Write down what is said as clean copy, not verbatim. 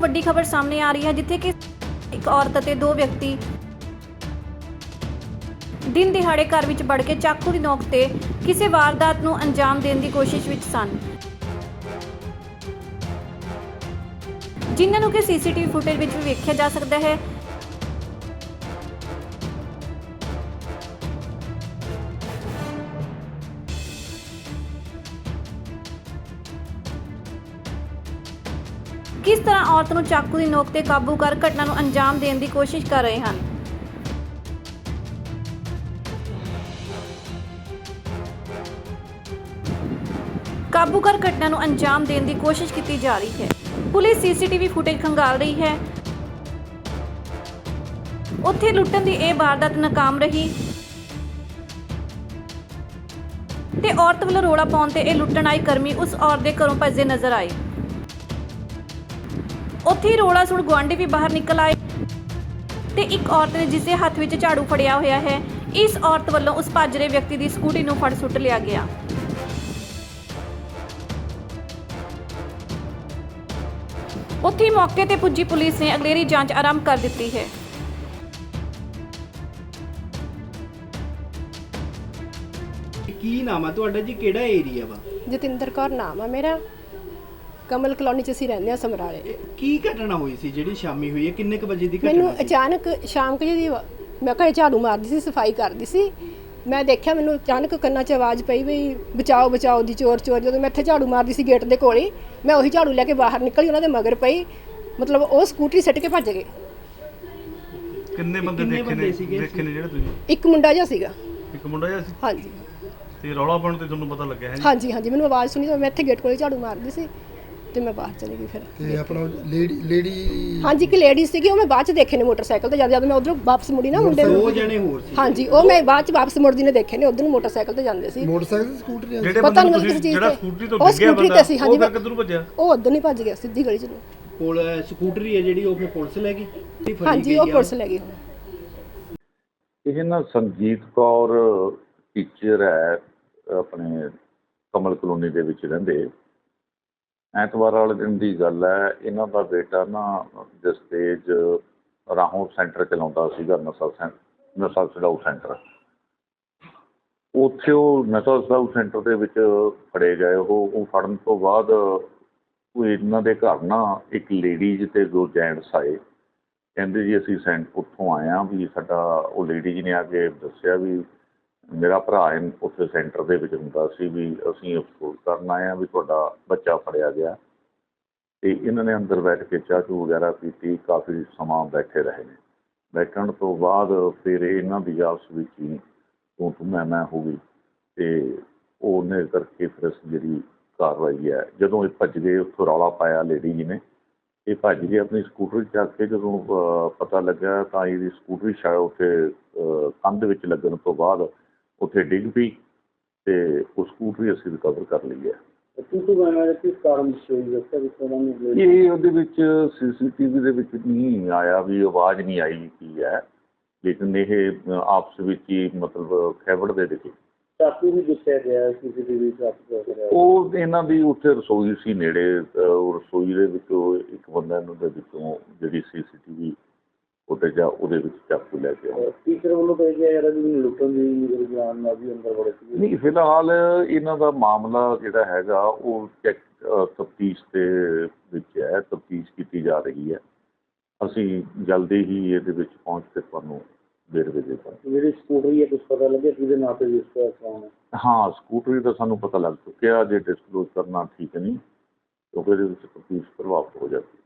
ਵੱਡੀ ਖਬਰ ਸਾਹਮਣੇ ਆ ਰਹੀ ਹੈ ਜਿੱਥੇ ਕਿ ਇੱਕ ਔਰਤ ਅਤੇ ਦੋ ਵਿਅਕਤੀ ਦਿਨ ਦਿਹਾੜੇ ਘਰ ਵਿੱਚ ਵੜ ਕੇ ਚਾਕੂ ਦੀ ਨੋਕ ਤੇ ਕਿਸੇ ਵਾਰਦਾਤ ਨੂੰ ਅੰਜਾਮ ਦੇਣ ਦੀ ਕੋਸ਼ਿਸ਼ ਵਿੱਚ ਸਨ, ਜਿਨ੍ਹਾਂ ਨੂੰ ਕਿ ਸੀਸੀਟੀਵੀ ਫੁਟੇਜ ਵਿੱਚ ਵੀ ਵੇਖਿਆ ਜਾ ਸਕਦਾ ਹੈ। किस तरह औरत ਨੂੰ ਚਾਕੂ ਦੀ ਨੋਕ ਤੇ ਕਾਬੂ ਕਰ ਘਟਨਾ ਨੂੰ ਅੰਜਾਮ ਦੇਣ ਦੀ ਕੋਸ਼ਿਸ਼ ਕਰ ਰਹੇ ਹਨ। ਕਾਬੂ ਕਰ ਘਟਨਾ ਨੂੰ ਅੰਜਾਮ ਦੇਣ ਦੀ ਕੋਸ਼ਿਸ਼ ਕੀਤੀ ਜਾ ਰਹੀ ਹੈ। ਪੁਲਿਸ ਸੀਸੀਟੀਵੀ ਫੁਟੇਜ ਖੰਗਾਲ ਰਹੀ ਹੈ। ਉੱਥੇ ਲੁੱਟਣ ਦੀ ਇਹ ਵਾਰਦਾਤ ਨਾਕਾਮ ਰਹੀ ਤੇ ਔਰਤ ਵੱਲੋਂ ਰੋਲਾ ਪਾਉਣ ਤੇ ਇਹ ਲੁੱਟਣ ਆਏ ਕਰਮੀ ਉਸ ਔਰਤ ਦੇ ਘਰੋਂ ਭੱਜਦੇ ਨਜ਼ਰ ਆਏ। ਉੱਥੇ ਰੋਲਾ ਸੁਣ ਗੁਆਂਢੀ ਵੀ ਬਾਹਰ ਨਿਕਲ ਆਏ ਤੇ ਇੱਕ ਔਰਤ ਨੇ ਜਿਸ ਦੇ ਹੱਥ ਵਿੱਚ ਝਾੜੂ ਫੜਿਆ ਹੋਇਆ ਹੈ, ਇਸ ਔਰਤ ਵੱਲੋਂ ਉਸ ਭੱਜ ਰਹੇ ਵਿਅਕਤੀ ਦੀ ਸਕੂਟੀ ਨੂੰ ਫੜ ਸੁੱਟ ਲਿਆ ਗਿਆ। ਉੱਥੇ ਮੌਕੇ ਤੇ ਪੁੱਜੀ ਪੁਲਿਸ ਨੇ ਅਗਲੇਰੀ ਜਾਂਚ ਆਰੰਭ ਕਰ ਦਿੱਤੀ ਹੈ। ਕੀ ਨਾਮ ਆ ਤੁਹਾਡਾ ਜੀ, ਕਿਹੜਾ ਏਰੀਆ ਵਾ? ਜਤਿੰਦਰ ਕੌਰ ਨਾਮ ਆ ਮੇਰਾ। ਕਮਲ ਕਲੋਨੀ ਚ ਅਸੀਂ ਰਹਿੰਦੇ ਆ ਸਮਰਾਲੇ। ਕੀ ਘਟਨਾ ਹੋਈ ਸੀ ਜਿਹੜੀ ਸ਼ਾਮੀ ਹੋਈ ਹੈ? ਕਿੰਨੇ ਕ ਵਜੇ ਦੀ ਘਟਨਾ ਮੈਨੂੰ ਸੀ? ਅਚਾਨਕ ਸ਼ਾਮ ਕੁ ਜਿਹੀ ਮੈਂ ਘਰੇ ਝਾੜੂ ਮਾਰਦੀ ਸੀ, ਸਫਾਈ ਕਰਦੀ ਸੀ। ਮੈਂ ਦੇਖਿਆ ਮੈਨੂੰ ਅਚਾਨਕ ਕੰਨਾਂ 'ਚ ਆਵਾਜ਼ ਪਈ ਵੀ ਬਚਾਓ ਬਚਾਓ ਦੀ, ਚੋਰ ਚੋਰ। ਜਦੋਂ ਮੈਂ ਇੱਥੇ ਝਾੜੂ ਮਾਰਦੀ ਸੀ ਗੇਟ ਦੇ ਕੋਲ ਹੀ, ਮੈਂ ਉਹੀ ਝਾੜੂ ਲੈ ਕੇ ਬਾਹਰ ਨਿਕਲੀ, ਉਹਨਾਂ ਦੇ ਮਗਰ ਪਈ। ਮਤਲਬ ਉਹ ਸਕੂਟਰੀ ਸਿੱਟ ਕੇ ਭੱਜ ਗਏ। ਕਿੰਨੇ ਬੰਦੇ ਦੇਖੇ ਨੇ ਜਿਹੜੇ ਤੁਸੀਂ? ਇੱਕ ਮੁੰਡਾ ਜਿਹਾ ਸੀਗਾ। ਇੱਕ ਮੁੰਡਾ ਜਿਹਾ ਸੀ? ਹਾਂਜੀ। ਤੇ ਰੌਲਾ ਪਾਉਣ ਤੇ ਤੁਹਾਨੂੰ ਪਤਾ ਲੱਗਿਆ ਹੈ ਜੀ? ਹਾਂਜੀ ਹਾਂਜੀ, ਮੈਨੂੰ ਆਵਾਜ਼ ਸੁਣੀ ਤਾਂ ਮੈਂ ਇੱਥੇ ਗੇਟ ਕੋਲ ਝਾੜੂ ਮਾਰਦੀ ਸੀ ਤੇ ਮੈਂ ਬਾਹਰ ਚਲੀ ਗਈ। ਫਿਰ ਤੇ ਆਪਣਾ ਲੇਡੀ ਹਾਂਜੀ, ਇੱਕ ਲੇਡੀ ਸੀਗੀ, ਉਹ ਮੈਂ ਬਾਅਦ ਚ ਦੇਖੇ ਨੇ ਮੋਟਰਸਾਈਕਲ ਤੇ। ਜਦ ਮੈਂ ਉਧਰੋਂ ਵਾਪਸ ਮੁੜੀ ਨਾ ਮੁੰਡੇ ਦੋ ਜਣੇ ਹੋਰ ਸੀ? ਹਾਂਜੀ, ਉਹ ਮੈਂ ਬਾਅਦ ਚ ਵਾਪਸ ਮੁੜਦੀ ਨੇ ਦੇਖੇ ਨੇ। ਉਧਰ ਨੂੰ ਮੋਟਰਸਾਈਕਲ ਤੇ ਜਾਂਦੇ ਸੀ। ਮੋਟਰਸਾਈਕਲ ਸਕੂਟਰ ਜਿਹੜੇ ਪਤਾ ਨਹੀਂ ਬੰਦੇ ਮੈਨੂੰ ਕਿਸ ਚੀਜ਼ ਜਿਹੜਾ ਤੇ ਸਕੂਟਰੀ ਤੋਂ ਉਹ ਡਿੱਗਿਆ ਸਕੂਟਰੀ ਬੰਦਾ, ਤੇ ਸੀ। ਹਾਂਜੀ, ਉਹ ਫਿਰ ਕਿੱਧਰ ਨੂੰ ਭੱਜਿਆ? ਉਹ ਉਧਰ ਨਹੀਂ ਭੱਜ ਗਿਆ, ਸਿੱਧੀ ਗਲੀ ਚ ਨੂੰ। ਕੋਲ ਸਕੂਟਰੀ ਹੈ ਜਿਹੜੀ ਉਹ ਫਿਰ ਪੁਲਿਸ ਲੈ ਗਈ? ਹਾਂਜੀ, ਉਹ ਪੁਲਿਸ ਲੈ ਗਈ। ਇਹ ਨਾ ਸੰਜੀਤ ਕੌਰ ਟੀਚਰ ਹੈ, ਆਪਣੇ ਕਮਲ ਕਲੋਨੀ ਦੇ ਵਿੱਚ ਰਹਿੰਦੇ। ਐਤਵਾਰ ਵਾਲੇ ਦਿਨ ਦੀ ਗੱਲ ਹੈ। ਇਹਨਾਂ ਦਾ ਬੇਟਾ ਨਾ ਜਸਤੇਜ ਰਾਹੋਂ ਸੈਂਟਰ ਚਲਾਉਂਦਾ ਸੀਗਾ, ਨਸ਼ਾ ਛਡਾਊ ਸੈਂਟਰ। ਉੱਥੇ ਉਹ ਨਸ਼ਾ ਛਡਾਊ ਸੈਂਟਰ ਦੇ ਵਿੱਚ ਫੜੇ ਗਏ। ਉਹ ਫੜਨ ਤੋਂ ਬਾਅਦ ਉਹ ਇਹਨਾਂ ਦੇ ਘਰ ਨਾ ਇੱਕ ਲੇਡੀਜ਼ ਤੇ ਦੋ ਜੈਂਟਸ ਆਏ। ਕਹਿੰਦੇ ਜੀ ਅਸੀਂ ਉੱਥੋਂ ਆਏ ਹਾਂ ਵੀ ਸਾਡਾ, ਉਹ ਲੇਡੀ ਜੀ ਨੇ ਆ ਕੇ ਦੱਸਿਆ ਵੀ ਮੇਰਾ ਭਰਾ ਉੱਥੇ ਸੈਂਟਰ ਦੇ ਵਿੱਚ ਹੁੰਦਾ ਸੀ, ਵੀ ਅਸੀਂ ਅਫਸੋਸ ਕਰਨ ਆਏ ਹਾਂ ਵੀ ਤੁਹਾਡਾ ਬੱਚਾ ਫੜਿਆ ਗਿਆ। ਅਤੇ ਇਹਨਾਂ ਨੇ ਅੰਦਰ ਬੈਠ ਕੇ ਚਾਹ ਚੂਹ ਵਗੈਰਾ ਪੀਤੀ, ਕਾਫੀ ਸਮਾਂ ਬੈਠੇ ਰਹੇ ਨੇ। ਬੈਠਣ ਤੋਂ ਬਾਅਦ ਫਿਰ ਇਹਨਾਂ ਦੀ ਆਪਸ ਵਿੱਚ ਹੀ ਤੂੰ ਮੈਂ ਹੋ ਗਈ ਅਤੇ ਉਹਨੇ ਕਰਕੇ ਫਿਰ ਜਿਹੜੀ ਕਾਰਵਾਈ ਹੈ, ਜਦੋਂ ਇਹ ਭੱਜ ਗਏ ਉੱਥੋਂ ਰੌਲਾ ਪਾਇਆ ਲੇਡੀ ਜੀ ਨੇ, ਇਹ ਭੱਜ ਗਏ ਆਪਣੀ ਸਕੂਟਰੀ ਚੱਕ ਕੇ। ਜਦੋਂ ਪਤਾ ਲੱਗਾ ਤਾਂ ਇਹਦੀ ਸਕੂਟਰੀ ਸ਼ਾਇਦ ਉੱਥੇ ਕੰਧ ਵਿੱਚ ਲੱਗਣ ਤੋਂ ਬਾਅਦ ਉੱਥੇ ਡਿੱਗ ਪਈ ਅਤੇ ਉਹ ਸਕੂਟਰੀ ਅਸੀਂ ਰਿਕਵਰ ਕਰ ਲਈ ਹੈ। ਇਹ ਉਹਦੇ ਵਿੱਚ CCTV ਦੇ ਵਿੱਚ ਨਹੀਂ ਆਇਆ ਵੀ ਆਵਾਜ਼ ਨਹੀਂ ਆਈ ਕੀ ਹੈ, ਲੇਕਿਨ ਇਹ ਆਪਸ ਵਿੱਚ ਹੀ ਮਤਲਬ ਖੈਬੜ ਦੇ ਦਿਖੇ। ਉਹ ਇਹਨਾਂ ਦੀ ਉੱਥੇ ਰਸੋਈ ਸੀ ਨੇੜੇ, ਰਸੋਈ ਦੇ ਵਿੱਚੋਂ ਇੱਕ ਬੰਦਾ ਇਹਨਾਂ ਦੇ ਵਿੱਚੋਂ ਜਿਹੜੀ CCTV ਉਹਦੇ ਉਹਦੇ ਵਿੱਚ ਚਾਕੂ ਲੈ ਕੇ ਆਇਆ। ਟੀਚਰ ਵੱਲੋਂ ਕਹਿ ਗਿਆ ਯਾਰ ਵੀ ਲੁੱਟਣ ਦੀ ਰੁਝਾਨ ਨਾਲ ਵੀ ਅੰਦਰ ਵੜੇ ਸੀ। ਨਹੀਂ, ਫਿਲਹਾਲ ਇਹਨਾਂ ਦਾ ਮਾਮਲਾ ਜਿਹੜਾ ਹੈਗਾ ਉਹ ਤਫਤੀਸ਼ ਦੇ ਵਿੱਚ ਹੈ, ਤਫਤੀਸ਼ ਕੀਤੀ ਜਾ ਰਹੀ ਹੈ। ਅਸੀਂ ਜਲਦੀ ਹੀ ਇਹਦੇ ਵਿੱਚ ਪਹੁੰਚ ਕੇ ਤੁਹਾਨੂੰ ਵੇਰਵੇ ਦੇ ਦਾਂਗੇ। ਜਿਹੜੀ ਸਕੂਟਰੀ ਹੈ ਕੁਛ ਪਤਾ ਲੱਗਿਆ ਕਿਹਦੇ ਨਾਂ ਤੇ ਰਜਿਸਟਰ ਕਰਾਉਣਾ? ਹਾਂ, ਸਕੂਟਰੀ ਦਾ ਸਾਨੂੰ ਪਤਾ ਲੱਗ ਚੁੱਕਿਆ। ਜੇ ਡਿਸਕਲੋਜ਼ ਕਰਨਾ ਠੀਕ ਨਹੀਂ, ਕਿਉਂਕਿ ਇਹਦੇ ਵਿੱਚ ਤਫਤੀਸ਼ ਪ੍ਰਭਾਵਿਤ ਹੋ ਜਾਂਦੀ ਹੈ।